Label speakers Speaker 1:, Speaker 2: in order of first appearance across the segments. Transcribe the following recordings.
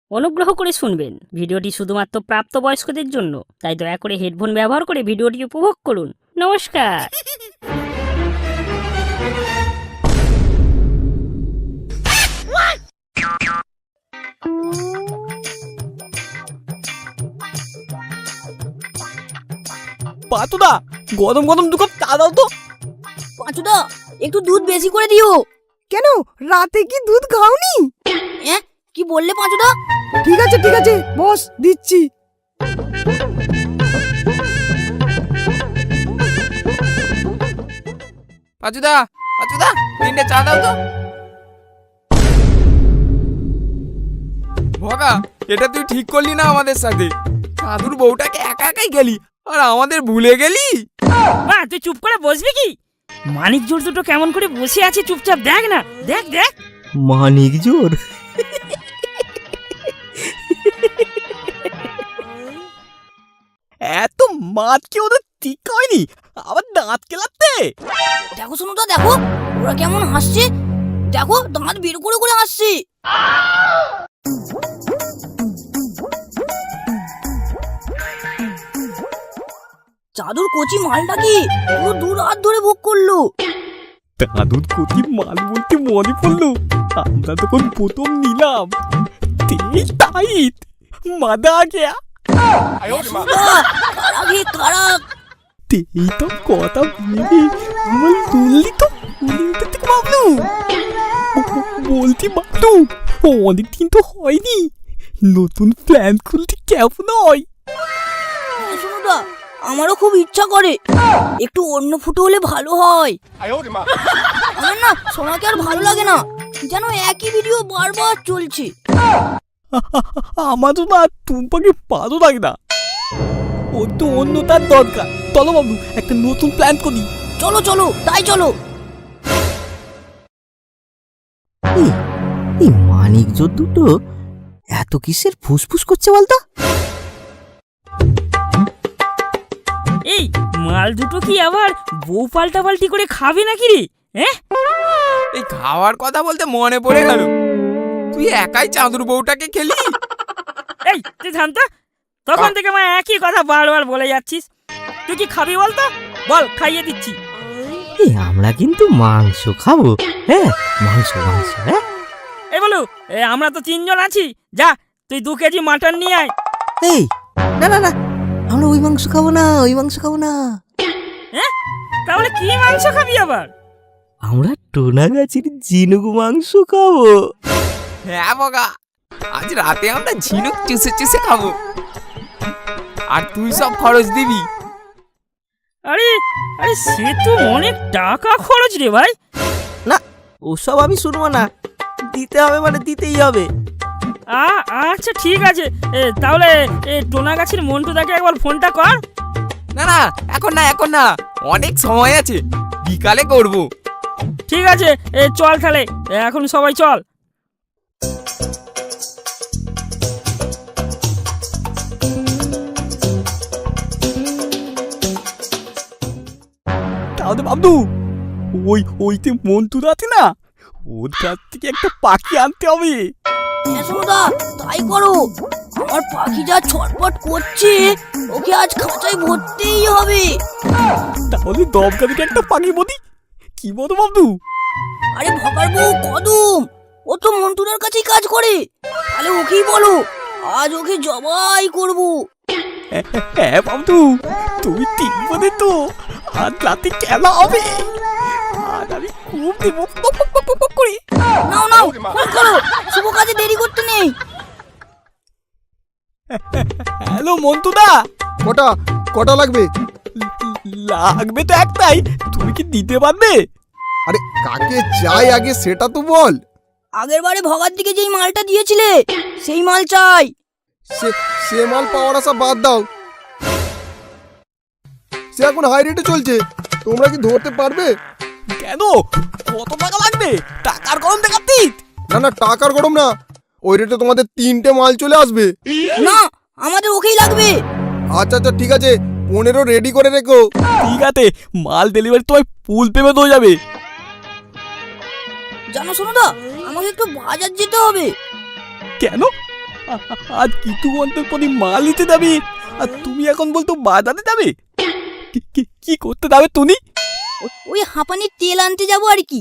Speaker 1: অনুগ্রহ করে শুনবেন, ভিডিওটি শুধুমাত্র প্রাপ্তবয়স্কদের জন্য, তাই দয়া করে হেডফোন ব্যবহার করে ভিডিওটি উপভোগ করুন। নমস্কার।
Speaker 2: পাতুদা, গরম গরম 2 কাপ চা দাও তো।
Speaker 3: পাঁচুদা, একটু দুধ বেশি করে দিও।
Speaker 4: কেন, রাতে কি দুধ খাওনি?
Speaker 3: কি বললে পাঁচুদা?
Speaker 4: ঠিক আছে বস, দিচ্ছি।
Speaker 2: পাচুদা, পাচুদা, 3টে চা দাও তো। ভগা, এটা তুই ঠিক করলি না আমাদের সাথে। সাধুর বউটাকে একা একাই গেলি আর আমাদের ভুলে গেলি।
Speaker 1: মা, তুই চুপ করে বসবি কি? মানিক জোর দুটো কেমন করে বসে আছে, চুপচাপ দেখ না, দেখ দেখ।
Speaker 5: মানিক জোর?
Speaker 2: এত মাত কি ওদের ঠিক হয়নি, আবার দাঁত কেলাতে।
Speaker 3: দেখো শুনুদা, দেখো ওরা কেমন হাসছে। দেখো দাঁত বের করে করে হাসছে। চাদর কচি মালটা কি পুরো 2 রাত ধরে ভোগ করলো।
Speaker 2: দাদুর কচি মাল বলতে মনে পড়লো, আমরা তখন প্রথম নিলাম। তেজ টাইট মাদা গেয়া।
Speaker 3: কারাগে কারাগ।
Speaker 2: তেই তো কথা ভেবে আমার তুললি তো বাবলু। বলছি বাবলু, অনেকদিন তো হয়নি, নতুন প্ল্যান খুলতে কেমন হয়?
Speaker 3: শুনুদা, আমারও খুব ইচ্ছা করে একটু অন্য ফুটো হলে ভালো হয়। আমার না সোনাকে আর ভালো লাগে না, যেন একই ভিডিও বারবার চলছে।
Speaker 2: আমারও না টুম্পাকে ভালো লাগে না, ওর তো অন্য তার দরকার। চলো বাবলু, একটা নতুন প্ল্যান করি।
Speaker 3: চলো চলো, তাই চলো।
Speaker 5: এই মানিক জোর দুটো এত কিসের ফুসফুস করছে বলতো?
Speaker 1: এই মাল দুটো কি আবার বউ পাল্টাপাল্টি করে খাবে নাকি রে?
Speaker 2: এই খাওয়ার কথা বলতে মনে পড়ে গেল, তুই একাই চাঁদুর বউটাকে খেলি।
Speaker 1: এই তুই থাম তো, তখন থেকে মা একই কথা বারবার বলে যাচ্ছিস। তুই কি খাবি বলতো? বল, খাইয়ে দিচ্ছি।
Speaker 5: এই আমরা কিন্তু মাংস খাবো। হ্যাঁ, মাংস মাংস। হ্যাঁ
Speaker 1: এই বলু, আমরা তো 3 জন আছি, যা তুই 2 কেজি মাটন নিয়ে আয়।
Speaker 5: এই না না না, আমরা ওই মাংস খাবো না, ওই মাংস খাবো না।
Speaker 1: তাহলে কি মাংস খাবি আবার?
Speaker 5: আমরা টোনা গাছের ঝিনুক মাংস খাবো।
Speaker 2: হ্যাঁ বগা, আজ রাতে আমরা ঝিনুক চুষে চুষে খাবো, আর তুই সব খরচ দিবি।
Speaker 1: আরে আরে, সে তো অনেক টাকা খরচ রে ভাই।
Speaker 5: না, ওসব আমি শুনবো না, দিতে হবে মানে দিতেই হবে।
Speaker 1: আচ্ছা ঠিক আছে, তাহলে টোনা গাছের মন্টুদাকে একবার ফোনটা কর।
Speaker 2: না না, এখন না, এখন না, অনেক সময় আছে, বিকালে করব।
Speaker 1: ঠিক আছে, চল তাহলে, এখন সবাই চল।
Speaker 2: তাহলে বাবু, ওইতে মন্টু আছে না, ওর কাছ থেকে একটা পাখি আনতে হবে।
Speaker 3: শুনুদা, তাই করো। আমার পাখি যা ছটপট করছে, ওকে আজ খাঁচায় ভরতেই হবে।
Speaker 2: তাহলে দমকা থেকে একটা পাখি বলি, কি বলো বাবু?
Speaker 3: আরে ভগার বউ কদম, ও তো মন্টুদার কাছেই কাজ করে, তাহলে ওকেই বলো, আজ ওকে জবাই করব।
Speaker 2: হ্যাঁ বাবু, তুমি ঠিক বলে তো, আজ রাতে খেলা হবে, আর আমি খুব দেবো করে।
Speaker 3: নাও নাও, ফোন করো, শুভ কাজে দেরি করতে নেই।
Speaker 2: হ্যালো মন্টুদা।
Speaker 6: কটা লাগবে?
Speaker 2: লাগবে তো একটাই, তুমি কি দিতে পারবে?
Speaker 6: আরে কাকে চাই আগে সেটা তো বল।
Speaker 3: আগের বারে ভগার দিকে যেই মালটা দিয়েছিলে, সেই মাল চাই।
Speaker 6: সে মাল পাওয়ার আশা বাদ দাও, সে এখন হাই রেটে চলছে, তোমরা কি ধরতে পারবে?
Speaker 2: কেন, কত টাকা লাগবে? টাকার গরম দেখাচ্ছি।
Speaker 6: না টাকার গরম না, ওই রেটে তোমাদের 3টে মাল চলে আসবে।
Speaker 3: না, আমাদের ওকেই লাগবে।
Speaker 6: আচ্ছা ঠিক আছে, 15 রেডি করে রেখো।
Speaker 2: ঠিক আছে, মাল ডেলিভারি তোমায় ফুল পেমেন্ট হয়ে যাবে।
Speaker 3: জানো শুনুদা, আমাকে একটু বাজার যেতে হবে।
Speaker 2: কেন, আজ কিছু অন্তর পরে মাল নিতে যাবে আর তুমি এখন বলতো বাজারে যাবে? কি করতে যাবে তুমি?
Speaker 3: ওই হাঁপানির তেল আনতে যাবো আর কি।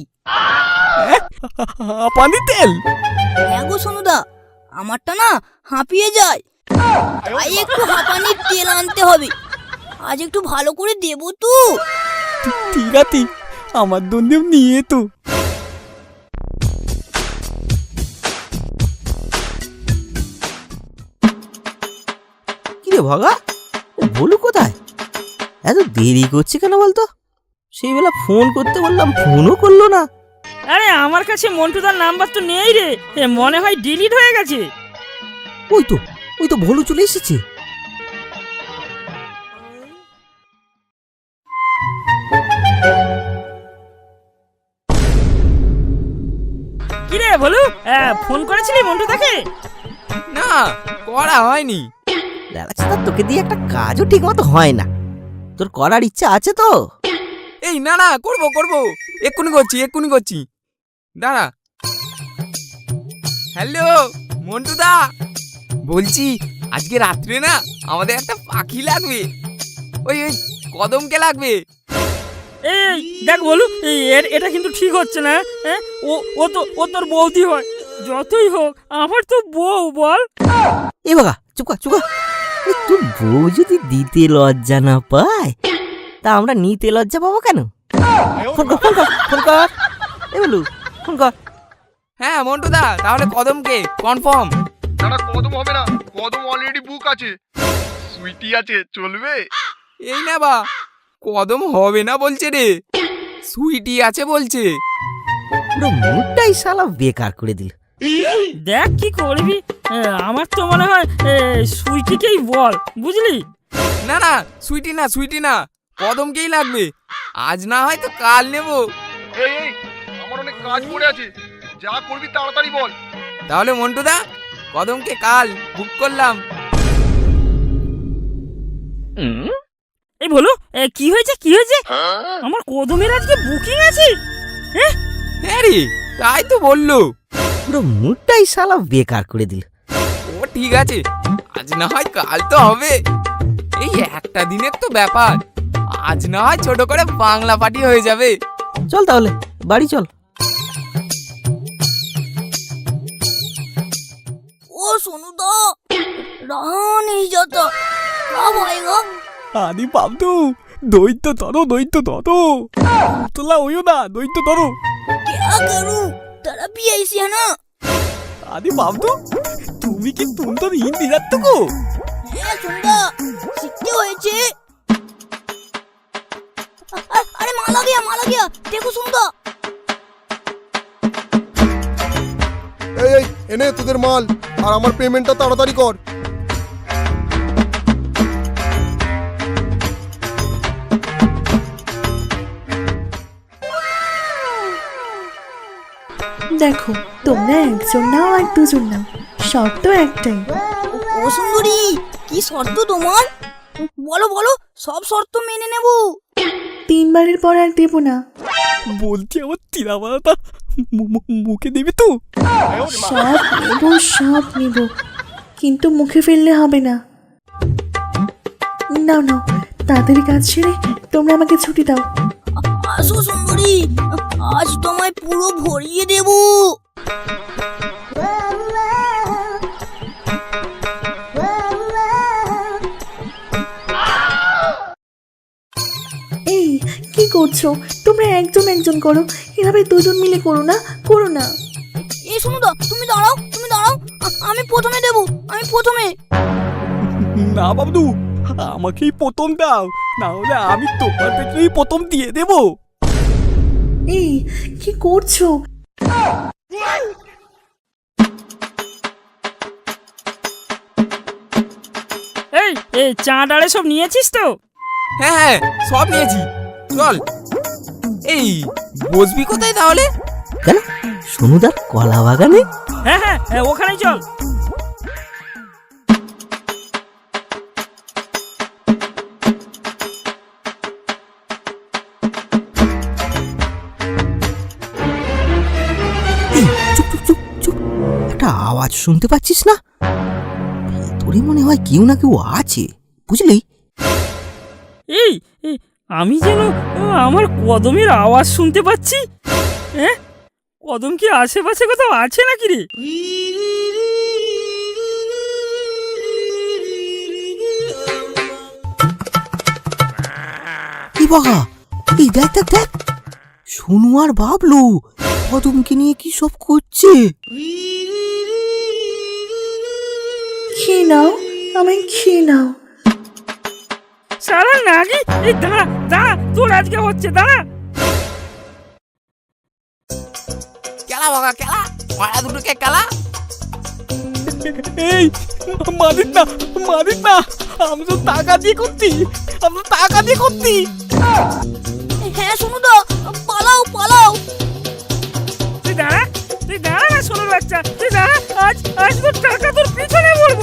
Speaker 2: পানি তেল?
Speaker 3: হ্যাঁ গো সোনুদা, আমারটা না হাঁপিয়ে যায়, তাই একটু হাঁপানির তেল আনতে হবে। আজ একটু ভালো করে দেবো তো।
Speaker 2: ঠিক আছে, আমার জন্যেও নিয়ে তো।
Speaker 5: কিরে ভগা, বলু কোথায়? এত দেরি করছে কেন বলতো? সেই বেলা ফোন করতে বললাম, ফোনও করলো না।
Speaker 1: আরে আমার কাছে মন্টুদার নাম্বার তো নেই রে, মনে হয় ডিলিট হয়ে গেছে।
Speaker 5: ওই তো ভোলু চলে এসেছে।
Speaker 1: কিরে বলু, ফোন করেছিলি মন্টুদাকে?
Speaker 2: না, করা হয়নি।
Speaker 5: লালাচাঁদা, তোকে দিয়ে একটা কাজও ঠিক মতো হয় না। তোর করার ইচ্ছা আছে তো?
Speaker 2: এই না করবো, এক্ষুনি করছি। দাঁড়া। হ্যালো মন্টুদা, বলছি আজকে রাত্রে না আমাদের একটা পাখি লাগবে, ওই কদমকে লাগবে।
Speaker 1: এই দেখ বলু, এটা কিন্তু ঠিক হচ্ছে না। ও তোর বৌদি হয়, যতই হোক আমার তো বউ, বল।
Speaker 5: এ বাবা, চুপ কর। তোর বউ যদি দিতে লজ্জা না পায়, তা আমরা নিতে লজ্জা পাবো কেন? ফোন কর। এ বলু, ফোন কর।
Speaker 2: হ্যাঁ মন্টুদা, তাহলে কদমকে কনফার্ম।
Speaker 6: দাঁড়া, কদম হবে না, কদম অলরেডি বুক আছে। সুইটি আছে, চলবে?
Speaker 2: এই না বা, কদম হবে না বলছে রে, সুইটি আছে বলছে।
Speaker 5: পুরো মুডটাই শালা বেকার করে দিল।
Speaker 1: দেখ কি করবি, আমার তো মনে হয় সুইটিকেই বল, বুঝলি?
Speaker 2: না, সুইটি না, কদমকেই লাগবে। আজ না হয় তো কাল নেবো।
Speaker 6: এই আমার অনেক কাজ পড়ে আছে, যা করবি তাড়াতাড়ি বল।
Speaker 2: তাহলে মন্টুদা, কদমকে কাল বুক করলাম।
Speaker 1: এই বলু, কি হয়েছে? আমার কদমের আজকে বুকিং আছে।
Speaker 2: হ্যাঁ রে, তাই তো বললো।
Speaker 5: পুরো মুডটাই শালা বেকার করে দিল।
Speaker 2: ও ঠিক আছে, আজ না হয় কাল তো হবে, এই একটা দিনের তো ব্যাপার। আজ না হয় ছোট করে বাংলা পার্টি হয়ে যাবে।
Speaker 5: চল তাহলে বাড়ি চল।
Speaker 3: ও সোনুদা, रहा नहीं जाता, क्या भाईगा?
Speaker 2: আরে বাবু, দৈত্য ধরো, তোলা হইও না, দৈত্য ধরো।
Speaker 3: क्या करूं, तेरा भी ऐसी है ना?
Speaker 2: আরে বাবু, তুমি কি সুন্দর হিন্দি জানতো গো?
Speaker 3: হ্যাঁ সোনুদা, শিখতে হয়েছে। अरे माला गया, देखो सोनुদা।
Speaker 6: এই এনে তোদের মাল, আর আমার পেমেন্টটা তাড়াতাড়ি কর।
Speaker 7: দেখো, তোমরা একজন নাও আর দুজন নাও, শর্ত একটাই।
Speaker 3: ও সুন্দরী, কি শর্ত তোমার? বলো, সব শর্ত মেনে নেব।
Speaker 7: 3 বারের পর আর দেবো না।
Speaker 2: বলছি আমার তিরাবালাটা মুখে দেবে তো?
Speaker 7: সব নেব, কিন্তু মুখে ফেললে হবে না। নাও, তাড়াতাড়ি কাজ ছেড়ে তোমরা আমাকে ছুটি দাও।
Speaker 3: আসো সুন্দরী, আজ তোমায় পুরো ভরিয়ে দেব।
Speaker 7: এই কি করছো তোমরা? একজন করো, এভাবে দুজন মিলে করো না।
Speaker 3: এই সোনুদা, তুমি দাঁড়াও, আমি প্রথমে দেব,
Speaker 2: না বাবু, আমাকেই প্রথম দাও, না হলে আমি তোমার পেছনেই প্রথম দিয়ে দেবো।
Speaker 7: এই কি করছো?
Speaker 1: এই চাঁদ আড়ে সব নিয়েছিস তো?
Speaker 2: হ্যাঁ, সব নিয়েছি। চল, এই বসবি কোথায় তাহলে?
Speaker 5: কেন, সোনুদার কলা বাগানে?
Speaker 1: হ্যাঁ, ওখানেই চল।
Speaker 5: চুপ, একটা আওয়াজ শুনতে পাচ্ছিস না? দূরে মনে হয় কেউ না কেউ আছে, বুঝলি?
Speaker 1: এই এই, আমি যেন আমার কদমের আওয়াজ শুনতে পাচ্ছি। হ্যাঁ, কদম কি আশেপাশে কোথাও আছে নাকি রে?
Speaker 5: কি বাবা, এই দেখ দেখ দেখ, সোনু আর বাবলু কদমকে নিয়ে কি সব করছে।
Speaker 7: খেয়ে নাও, আমায় খেয়ে নাও।
Speaker 1: সারা নাগি, এই দাঁড়া দাঁড়া, তোর আজকে হচ্ছে, দাঁড়া।
Speaker 2: কেলা বাবা কেলা, মারা দুটোকে কেলা। এই মারিস না, মারিস না, আমি তো টাকা দিয়ে করছি, আমি তো টাকা দিয়ে করছি।
Speaker 3: হ্যাঁ সোনুদা, পালাও পালাও।
Speaker 1: তুই দাঁড়া না সোনার বাচ্চা, তুই দাঁড়া, আজ তোর টাকা তোর পিছনে পড়বে।